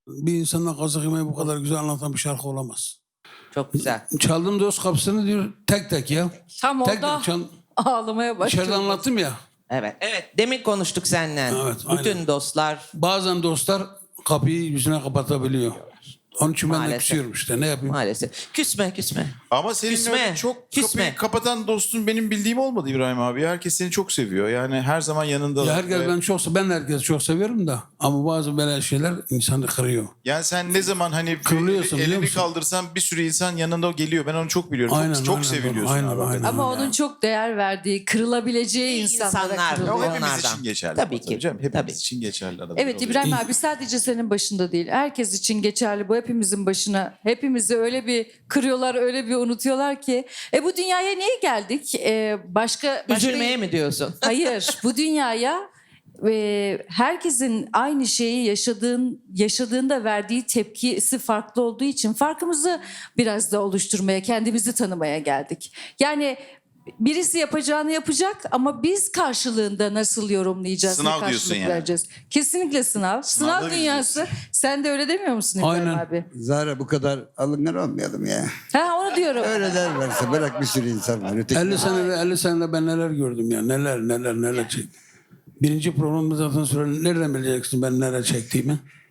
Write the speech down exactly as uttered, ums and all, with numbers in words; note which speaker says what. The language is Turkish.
Speaker 1: Bir insanla kazık yemeyi bu kadar güzel anlatan bir şarkı olamaz.
Speaker 2: Çok güzel.
Speaker 1: Çaldım dost kapısını diyor tek tek ya.
Speaker 3: Tam
Speaker 1: Tek
Speaker 3: orada
Speaker 1: tek çal.
Speaker 3: ağlamaya başladım.
Speaker 1: İçeride anlattım ya.
Speaker 2: Evet. Evet. Demin konuştuk seninle.
Speaker 1: Evet,
Speaker 2: Bütün
Speaker 1: aynen.
Speaker 2: dostlar
Speaker 1: Bazen dostlar kapıyı yüzüne kapatabiliyor. Onun için ben de
Speaker 2: Maalesef.
Speaker 1: küsüyorum işte ne yapayım.
Speaker 2: maalesef. Küsme küsme.
Speaker 4: Ama senin
Speaker 2: Küsme,
Speaker 4: öyle çok
Speaker 2: küsme.
Speaker 4: kapıyı kapatan dostun benim bildiğim olmadı İbrahim abi. Herkes seni çok seviyor. Yani her zaman yanında.
Speaker 1: Ya herkes ben çok ben de herkesi çok seviyorum da ama bazı böyle şeyler insanı kırıyor.
Speaker 4: Yani sen ne zaman hani
Speaker 1: Kırılıyorsun, biliyor
Speaker 4: elini
Speaker 1: musun?
Speaker 4: kaldırsan bir sürü insan yanında geliyor. Ben onu çok biliyorum.
Speaker 1: Aynen,
Speaker 4: çok çok
Speaker 1: aynen,
Speaker 4: seviliyorsun
Speaker 1: aynen,
Speaker 4: abi.
Speaker 1: aynen.
Speaker 4: hakikaten.
Speaker 3: Ama onun çok değer verdiği, kırılabileceği
Speaker 2: İyi
Speaker 3: insanlara
Speaker 2: insanlar.
Speaker 4: Ya o
Speaker 3: kırılıyor.
Speaker 4: hepimiz
Speaker 2: Onlardan.
Speaker 4: için geçerli.
Speaker 2: Tabii
Speaker 4: ama
Speaker 2: ki,
Speaker 4: Canım. Hepimiz
Speaker 2: tabii.
Speaker 4: için geçerli. arada
Speaker 3: Evet
Speaker 4: oluyor.
Speaker 3: İbrahim abi sadece senin başında değil. Herkes için geçerli. Bu hepimizin başına. Hepimizi öyle bir kırıyorlar, öyle bir unutuyorlar ki. E bu dünyaya niye geldik? E, başka, başka...
Speaker 2: Üzülmeye mi diyorsun?
Speaker 3: Hayır. Bu dünyaya e, herkesin aynı şeyi yaşadığın yaşadığında verdiği tepkisi farklı olduğu için farkımızı biraz da oluşturmaya, kendimizi tanımaya geldik. Yani birisi yapacağını yapacak ama biz karşılığında nasıl yorumlayacağız,
Speaker 4: Sınav
Speaker 3: ne karşılık
Speaker 4: diyorsun yani.
Speaker 3: vereceğiz? Kesinlikle sınav.
Speaker 4: Sınavda
Speaker 3: Sınav
Speaker 4: biz
Speaker 3: dünyası. Sen de öyle demiyor musun İbrahim
Speaker 1: Aynen.
Speaker 3: abi?
Speaker 5: Zara bu kadar alıngan olmayalım ya.
Speaker 3: Ha onu diyorum.
Speaker 5: Öyle derlerse bırak bir sürü insan var. Öteki
Speaker 1: elli senede elli senede ben neler gördüm ya neler neler neler çektim. Birinci programda zaten sonra nereden bileceksin ben neler çektiğimi?